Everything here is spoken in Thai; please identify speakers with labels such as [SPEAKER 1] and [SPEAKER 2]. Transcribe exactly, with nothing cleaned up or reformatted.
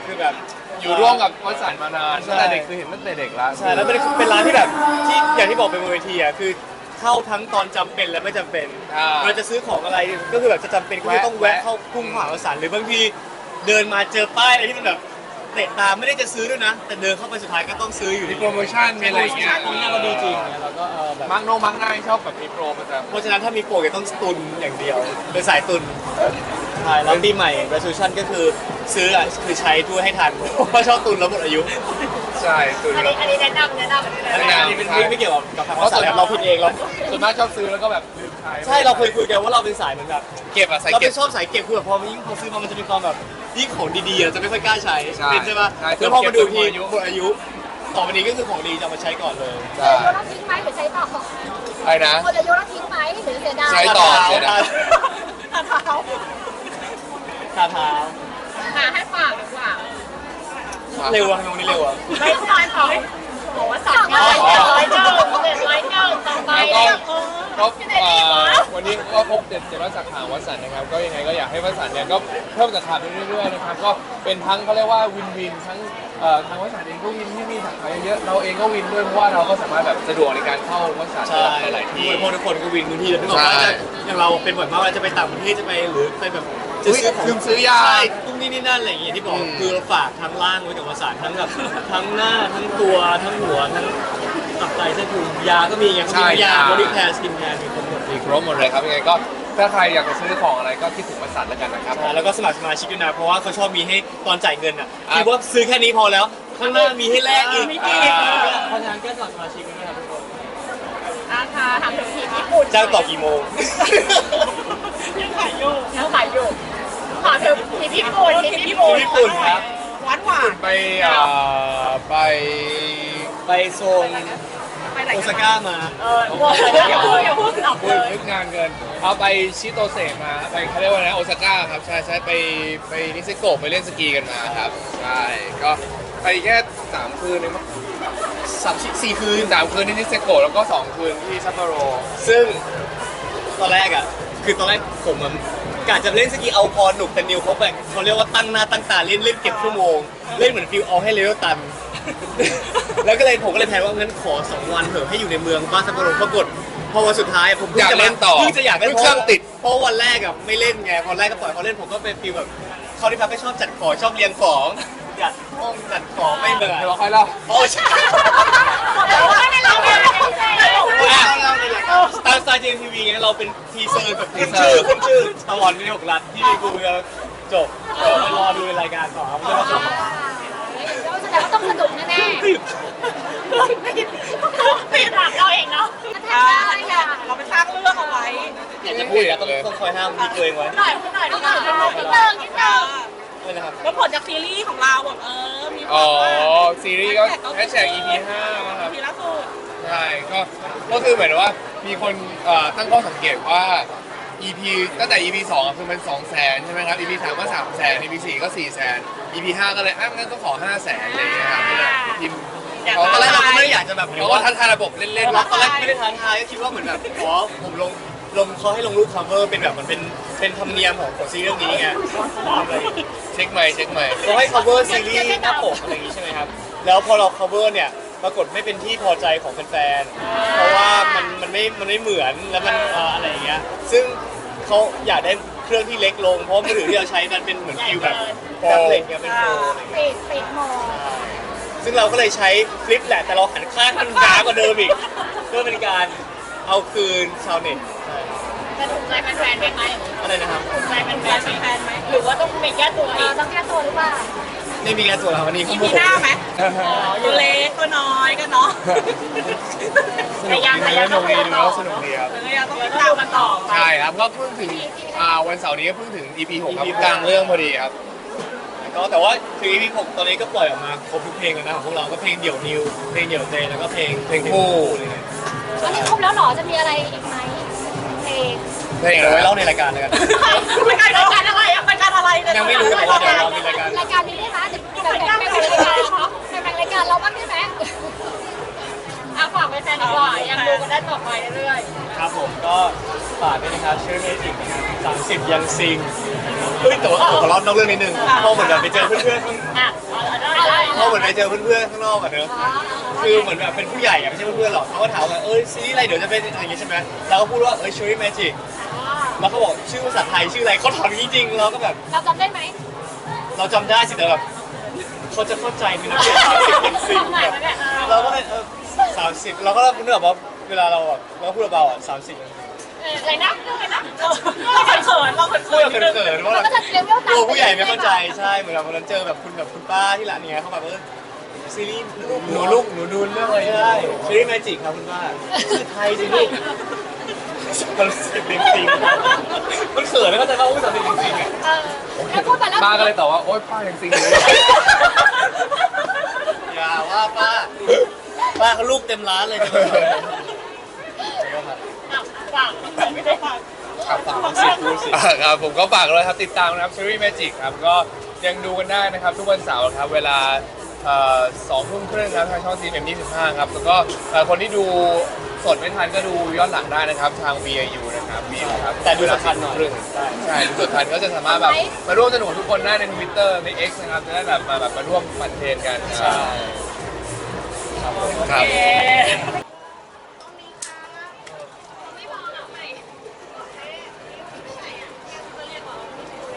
[SPEAKER 1] คือแบบ
[SPEAKER 2] อยู่ร่วมกับวสันต์มานานตั้งแต่เด็กคือเห็นตั้งแต่เด็กแล้ว
[SPEAKER 1] ใช่แล้วเป็นเป็นร้านที่แบบที่อย่างที่บอกเป็นบนเวทีอ่ะคือเข้าทั้งตอนจำเป็นและไม่จำเป็นเราจะซื้อของอะไรก็คือแบบจะจำเป็นก็ต้องแวะเข้าพุ่งผ่าวสันต์หรือบางทีเดินมาเจอป้ายอะไรที่มันแบบเตะตาไม่ได้จะซื้อด้วยนะแต่เดินเข้าไปสุดท้ายก็ต้องซื้ออยู่
[SPEAKER 2] มีโปรโมชั่นมีอะไรอย่างเงี้ย
[SPEAKER 1] นี่ก็ดีจริงแล้วก็แบบ
[SPEAKER 2] มักโนมักง่ายชอบแบบมีโปรประจำ
[SPEAKER 1] เพราะฉะนั้นถ้ามีโปรก็ต้องตุนอย่างเดียวเป็นสายตุนใช่แล้วปีใหม่ resolution ก็คือซื้ออ่ะคือใช้ด้วยให้ทันเพราะชอบตุนแล้วหมดอายุ
[SPEAKER 2] ใช่ตุน
[SPEAKER 3] อัน
[SPEAKER 2] แล้ว
[SPEAKER 3] นี้อันนี้แนะนำแนะนำอันนี้
[SPEAKER 1] อัน
[SPEAKER 3] แนะ
[SPEAKER 1] นี้
[SPEAKER 3] นำ
[SPEAKER 1] อันนี้เป็นไม่ไม่เกี่ยวกับทางภาษาครับเราพูดเองเรา
[SPEAKER 2] ส่วนมากชอบซื้อแล้วก็แบบลืมใช้
[SPEAKER 1] ใช่เราเคยคุยกันว่าเราเป็นสายเหมือนแบบ
[SPEAKER 2] เก็บอะใส่
[SPEAKER 1] เรา
[SPEAKER 2] เก็
[SPEAKER 1] เป็
[SPEAKER 2] บ
[SPEAKER 1] นชอบสายเก็บคือแบบพอมันยิ่งพอซื้อมามันจะมีความแบบยิ่งของดีๆเราจะไม่ค่อยกล้าใช้
[SPEAKER 2] ใช่
[SPEAKER 1] เป็นใช่ปะ
[SPEAKER 2] ใช่
[SPEAKER 1] แล้วพอมาดูที
[SPEAKER 2] เก็บจนหมดอายุ
[SPEAKER 1] หมดอายุต่อไปนี้ก็คือของดีจะเอามาใช้ก่อนเลย
[SPEAKER 2] ใช่
[SPEAKER 3] แล้วทิ้งไหมหรือใช้ต่อ
[SPEAKER 2] อะไรนะ
[SPEAKER 3] คนอายุแล้วทิ้งไหมหรือเสียดาย
[SPEAKER 2] ใช้ต่อเสียดาย
[SPEAKER 3] ทาเท้า
[SPEAKER 1] ทาเท้า
[SPEAKER 3] หาให้ฝากดีกว่า
[SPEAKER 1] เร็วอะทำไมวันนี้เร็วอะ
[SPEAKER 3] ไม่ใช่เขาบอกว่าสั่งมาเจ็ดร้อยเจ้าเจ็ดร้อยเจ้าต่อไป
[SPEAKER 2] แล้วก็ก็เอ่อวันนี้ก็พบเด็ดเจ็ดร้อยสาขาวัสันต์นะครับก็ยังไงก็อยากให้วัสันต์เนี่ยก็เพิ่มสาขาไปเรื่อยๆนะครับก็เป็นทั้งเขาเรียกว่าวินวินทั้งเอ่อทางวัสันต์เองก็วินที่มีสาขาเยอะเราเองก็วินด้วยเพราะว่าเราก็สามารถแบบสะดวกในการเข้าวัสันต์
[SPEAKER 1] ใช่
[SPEAKER 2] หลายๆที่
[SPEAKER 1] ทุกคนทุกคนก็วินพื้นที่แล้วที่บอกว่า
[SPEAKER 2] ใช่
[SPEAKER 1] อย่างเราเป็นบ่อยมากเวลาจะไปต่างประเทศจะไปหรือไปแบบจะซื้อของ
[SPEAKER 2] ลืมซื้อยา
[SPEAKER 1] ใช่ตุ้งนี่นี่นั่นอะไรอย่างเงี้ยที่บอก
[SPEAKER 2] อืม
[SPEAKER 1] คือเราฝากทั้งล่างไว้กับวสานทั้งแบบทั้งหน้าทั้งตัวทั้งหัวทั้งตับไตเส้นพุงยาก็มีไงเขามียาบริแคร์สกินแคร์มีครบหมด
[SPEAKER 2] มีครบหมดเลยครับยังไงก็ถ้าใครอยากจะซื้อของอะไรก็คิดถึงวัสันต์แล้วกันนะครับ
[SPEAKER 1] อ่าแล้วก็สมัครสมาชิกด้วยนะเพราะว่าเขาชอบมีให้ตอนจ่ายเงินอ่ะ
[SPEAKER 2] อ่ะ
[SPEAKER 1] คิดว่าซื้อแค่นี้พอแล้ว ข้างหน้ามีให้แลกอีก
[SPEAKER 3] มีอีก
[SPEAKER 1] เพราะฉะนั้นก็สมัครสมาชิกด้วยนะครับทุกคน
[SPEAKER 3] อาคาทำถึงทีมญี่ปุ่น
[SPEAKER 1] จ้างต่อกี่โมง
[SPEAKER 3] ยังขายอยู่ยังขายอยู่ขอถึงทีมญี่ปุ่นทีมญี่ปุ่น
[SPEAKER 1] ญี่ปุ่นครับ
[SPEAKER 3] หวานหวาน
[SPEAKER 2] ไปเอ่อไป
[SPEAKER 1] ไปโซนโอซาก้ามา
[SPEAKER 3] เออบอกเลยอย่าพูดอย่าพูดออก
[SPEAKER 2] พู
[SPEAKER 3] เล
[SPEAKER 2] ด
[SPEAKER 3] ย
[SPEAKER 2] นึกงานเกินเอาไปชิโตเซะมาไปเขาเรียกว่าไงนะโอซาก้าครับใช่ใช่ไปไปนิเซโกะไปเล่นสกีกันมาครับใช่ก็ไปแค่สามคืนเองมั้ง
[SPEAKER 1] สามสี่สี่คื
[SPEAKER 2] คื
[SPEAKER 1] น
[SPEAKER 2] นสามคืนที่นิเซโกะแล้วก็สองคืนที่ซัปโปโร
[SPEAKER 1] ซึ่งตอนแรกอ่ะ คือตอนแรกผมอะกะจะเล่นสกีเอาพอหนุกแต่นิวเขาแบบเขาเรียกว่าตั้งหน้าตั้งตาเล่นเล่นเก็บชั่วโมง เล่นเหมือนฟิลเอาให้เลเวลตัน แล้วก็เลยผมก็เลยแพลนว่างั้นขอสองวันเถอะให้อยู่ในเมืองบ้านซัปโปโรปรากฏพอวันสุดท้ายผมพิ่ง
[SPEAKER 2] อยาก
[SPEAKER 1] จะม
[SPEAKER 2] เล่นต่อ
[SPEAKER 1] เพิ่งจะอยากเล่น
[SPEAKER 2] เพิ่งเครื่องติด
[SPEAKER 1] เพราะวันแรกอ่ะไม่เล่นไงพอแรกก็ปล่อยเขาเล่นผมก็เป็นฟิลแบบเขาที่พักไม่ชอบจัดของชอบเรียงของจัดห้องจัดของไม่เหนื่อย
[SPEAKER 2] เดี๋ยวเราค่อยเล่า
[SPEAKER 1] โอ้ใช่
[SPEAKER 3] แล้วว่าในเราเนี่ย
[SPEAKER 1] ตามสไตล์ จี เอ็ม ที วี ไงเราเป็นทีเซอร์แบบขึ้นชื่อขึ้นชื่อตลอดในหกรัฐที่กูจะจบไปรอดูในรายการต่อครับว่าจะ
[SPEAKER 3] เราแสดงว่าต้องสนุกแน่ๆติดติดหลักเราเองเนาะถ้าได้เราไปสร้างเรื่องเอาไว้
[SPEAKER 1] อยากจะพูดอย่างต้องต้องคอยห้ามมีตัวเองไว้
[SPEAKER 3] หน่อยหน่อยหน่อยนิดนึงนิดนึงนิดนึง
[SPEAKER 1] เลยนะครับ
[SPEAKER 4] แล้วผลจากซีรีส์ของเราแบบเออ มี
[SPEAKER 2] อ๋อ
[SPEAKER 4] ว่า
[SPEAKER 2] ซีรีส์ก็แฮชแท็ก อี พี ห้านะครับ
[SPEAKER 4] ทีล่าสุด
[SPEAKER 2] ใช่ก็ก็คือเหมือนว่ามีคนเอ่อตั้งข้อสังเกตว่า อี พี ตั้งแต่ อี พี สองคือมันสองแสนใช่ไหมครับ อี พี สามก็สามแสน อี พี สี่ก็สี่แสน อี พี ห้าก็เลยอ่ะงั้นก็ขอห้าแสนอะไรอย่างเงี้ยครับก็เลยพิมพ์เขา
[SPEAKER 1] ต
[SPEAKER 2] ก็
[SPEAKER 1] อน
[SPEAKER 2] เล
[SPEAKER 1] แร
[SPEAKER 2] ย
[SPEAKER 1] กเราก็ไม่ได้อยากจะแบบ
[SPEAKER 2] เขาก็ท้าทายระบบเล่นๆ
[SPEAKER 1] เรา
[SPEAKER 2] เนาะ
[SPEAKER 1] ตอนแรกไม่ได้ท้าทายก็คิดว่าเหมือนแบบอ๋อผมลงลงเขาให้ลงรูป cover เป็นแบบมันเป็นเป็นธรรมเนียมของของซีรีส์เรื่องนี้ไง
[SPEAKER 2] เช็คใหม่เช็คใหม่
[SPEAKER 1] เขาให้ cover ซีรีส์หน้าปกอะไรอย่างงี้ใช่ไหมครับ แล้วพอเรา cover เนี่ยปรากฏไม่เป็นที่พอใจของแฟนๆ เพราะว่ามันมันไม่มันไม่เหมือนแล้วมันเอ่ออะไรอย่างเงี้ย ซึ่งเขาอยากได้เครื่องที่เล็กลง เพราะมือถือที่เราใช้มันเป็นเหมือนฟิลแบบแท็บเล็ตเนี่ยเป็นโปรอะไรอย่างเงี้ย
[SPEAKER 3] ปิดปิดโหมด
[SPEAKER 1] ซึ่งเราก็เลยใช้ฟลิปแหละแต่เราหันข้างมันหนากว่าเดิมอีก เพื่อเป็นการเอาคืนชาวเน็ตใช่
[SPEAKER 3] จะถูกใจแฟนๆไหมคะ
[SPEAKER 1] อะไรนะครับ
[SPEAKER 3] ถูกใจแฟนๆไหมหรือว่าต้องมีแก้ตัวอีกต้องแก้ตัวหรือเปล่า
[SPEAKER 1] ไม่มีการตรวจครับวันนี้
[SPEAKER 4] อี
[SPEAKER 1] เขาโม
[SPEAKER 4] พี
[SPEAKER 1] โห
[SPEAKER 4] หน้าไหมตัวเล็กตัวน้อยกันเนาะ
[SPEAKER 2] สนุกดีสนุกดีดูแล้วสนุกดีครับ
[SPEAKER 4] เออยังต้องติดตามกันต่อไป
[SPEAKER 2] ใช่ครับก็เพิ่งถึงอ่าวันเสาร์นี้ก็เพิ่งถึง อี พี หกครับกลางเรื่องพอดีครับ
[SPEAKER 1] ก็แต่ว่าคือ อี พี หกตอนนี้ก็ปล่อยออกมาครบทุกเพลงแล้วนะของพวกเราก็เพลงเดี่ยวนิวเพลงเดี่ยวเตแล้วก็เพลง
[SPEAKER 2] เพลงคู่
[SPEAKER 1] อะไรเงี้ย
[SPEAKER 3] อันนี้ครบแล้วเหรอจะมีอะไรอีกไหมเพลง
[SPEAKER 2] เพลง
[SPEAKER 1] เดี๋ยว
[SPEAKER 2] อะไร
[SPEAKER 1] ไว้เล่าในรายการแล้วกัน
[SPEAKER 4] รายการรายการอะไรอะรายการอะไรเนี่ย
[SPEAKER 1] ยังไม่รู้แต่ว่าเดี๋ยวเรามีรายการ
[SPEAKER 3] รายการนี้ได้ไหมเดี๋ยวแบ่งแบ่งรายการเนาะแบ่งรายการเราบ้างได้ไหมอ่ะฝากแฟนๆดีกว่ายังดูกันได้ต่อไปเรื่อย
[SPEAKER 1] ครับผมก็ฝากด้วยนะครับชื่อเมจิกนะครับสามสิบยังซิงเฮ้ยแต่ว่าผมขอเล่านอกเรื่องนิดนึงพอเหมือนแบบไปเจอเพื่อนๆข้าง
[SPEAKER 3] อ่ะอะไร
[SPEAKER 1] พอเหมือนไปเจอเพื่อนๆข้างนอกอะเนอะคือเหมือนแบบเป็นผู้ใหญ่อะไม่ใช่เพื่อนๆหรอกเขาก็ถามว่าเอ้ยซีรีส์อะไรเดี๋ยวจะเป็นอะไรอย่างงี้ใช่ไหมเราก็พูดว่าเอ้ย Cherry Magic แล้วเขาบอกชื่อภาษาไทยชื่ออะไรเขาถามจริงๆเราก็แบบ
[SPEAKER 3] เราจำได้ไหม
[SPEAKER 1] เราจำได้สิแต่แบบเขาจะเข้าใจไหมนะเป็นสามสิบเป็นสิ่งแบบเราก็เลยเออสามสิบเราก็นึกแบบว่าเวลาเราแบบเราก็พูดเบาๆอ่ะสามสิบ
[SPEAKER 3] อะไรนะอะไรนะ
[SPEAKER 4] เราเขินเราเขิน
[SPEAKER 1] พูดแบบเขินๆว่า
[SPEAKER 3] มันก็จะเลเวล
[SPEAKER 1] ตัวผู้ใหญ่ไม่เข้าใจใช่เหมือนแบบวันนั้นเจอแบบคุณแบบคุณป้าที่ร้านเนี้ยเขาแบบเออซีรีส์หนูลูกหนูดูเรื่องอะไรใช่ซีรีส์แมจิกครับคุณป้าชื่อไทยสิลูกมันสิบจริงๆมันเขินแล้วก็จะเข้าสามสิบจริงๆอ่ะ
[SPEAKER 3] เออแล้วพูดไปแล้ว
[SPEAKER 2] ป้าก็เลยตอบว่าโอ๊ยป้ายังจริงเลย
[SPEAKER 1] อย่าว่าป้าป้าเขาลูกเต็มร้านเลยจะมาเขิน
[SPEAKER 4] ฝากไม่ได้ฝาก
[SPEAKER 2] ครับฝาก
[SPEAKER 1] สิพูดสิ
[SPEAKER 2] อ่าครับผมก็ฝากเลยครับติดตามนะครับซีรีส์ Magic ครับก็ยังดูกันได้นะครับทุกวันเสาร์ครับเวลาสองทุ่มครึ่งครับทางช่องซีเอ็มยี่สิบห้าครับแล้วก็เอ่อคนที่ดูสดไม่ทันก็ดูย้อนหลังได้นะครับทาง วี ไอ ยู นะครับวีครับ
[SPEAKER 1] แต่ดูสดทันหน่อย
[SPEAKER 2] เวลาสี่ทุ่มครึ่งใช่ดูสดทันก็จะสามารถแบบมาร่วมสนุกกับทุกคนได้ใน Twitter ใน X นะครับจะได้แบบมาแบบมาร่วมมันเทรนกัน
[SPEAKER 1] ใช่
[SPEAKER 2] ครับ
[SPEAKER 4] โอเค